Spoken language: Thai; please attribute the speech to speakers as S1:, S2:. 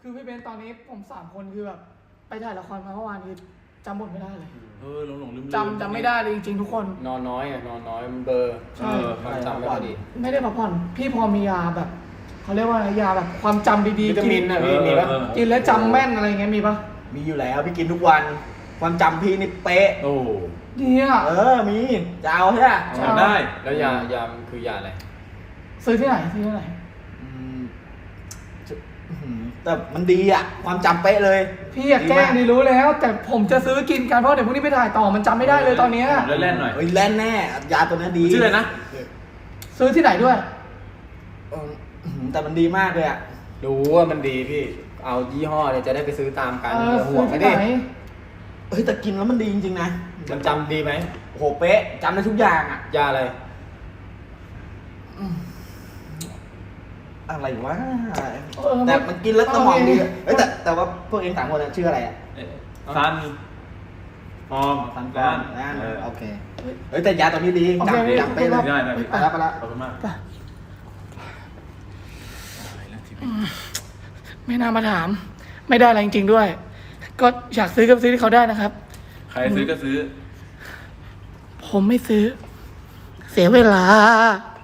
S1: คือพี่เบนตอนนี้ผม3 คนคือแบบไปถ่ายละครมาเมื่อวานคือจำบทไม่ได้เลย
S2: หลงลืม
S1: จำไม่ได้เลยจริงๆทุกคน
S3: นอนน้อยมันเบลอร์
S1: ใช่
S3: ความจำไม่ค่อยดี
S1: ไม่ได้พักผ่อนพี่พอมียาแบบเขาเรียกว่าอะไรยาแบบความจำดี
S3: วิ
S1: ๆ
S3: ตามินนะพี่มีปะ
S1: กินแล้วจำแม่นอะไรเงี้ยมีปะ
S4: มีอยู่แล้วพี่กินทุกวันความจำพี่นี่เป๊ะ
S2: โอ้
S1: ดีอ่ะ
S4: มีจะเอาใช่ไหม
S1: ใช่
S2: ได้
S3: แล้วยามันคือยาอะไร
S1: ซื้อที่ไหนซื้อที่ไหน
S4: อืมแต่มันดีอ่ะความจำเป๊ะเลย
S1: พี่อยากแกล้งนี่รู้แล้ว แต่ผมจะซื้อกินกันเพราะเดี๋ยวพรุ่งนี้ไปถ่ายต่อมันจำไม่ได้เลยตอนเนี้ย
S2: เล่นๆหน่อย
S4: เฮ้ยแล่นแน่ยาตัวนี้ดี
S2: ชื่ออะไรนะ
S1: ซื้อที่ไหนด้วย
S4: แต่มันดีมากเลยอ่ะ
S3: รู้ว่ามันดีพี่เอายี่ห้อเนี่ยจะได้ไปซื้อตามกัน
S1: ซื้
S3: ห่ว
S1: อง
S3: ไม่
S1: ที่
S3: ดิ
S1: ไหน
S4: เฮ้ยแต่กินแล้วมันดีจริงๆนะ
S3: มันจำดีไหม
S4: โอ้โหเป๊ะจำได้ทุกอย่างอ่ะ
S3: ยาอะไร
S4: อะไรวะ
S1: เออ
S4: แต่มันกินแล้วสมองดีอะเฮ้ยแต่ว่าพวกเอง3 คนอะชื่ออะไรอ่ะ
S2: ซันฟอม
S4: ฟัน
S2: ก้าน
S4: นั่นโอเคเฮ้ยแต่ยาตัวนี้ดี
S1: โอเค
S4: จำเป๊ะเลย
S2: ได้
S4: ไปแล้วไปแล้ว
S2: ขอบคุณมาก
S1: ไปไม่น่ามาถาม ไม่ได้อะไรจริงๆด้วย ก็อยากซื้อก็ซื้อที่เขาได้นะครับ
S2: ใครซื้อก็ซื้อ
S1: ผมไม่ซื้อ เสียเวลา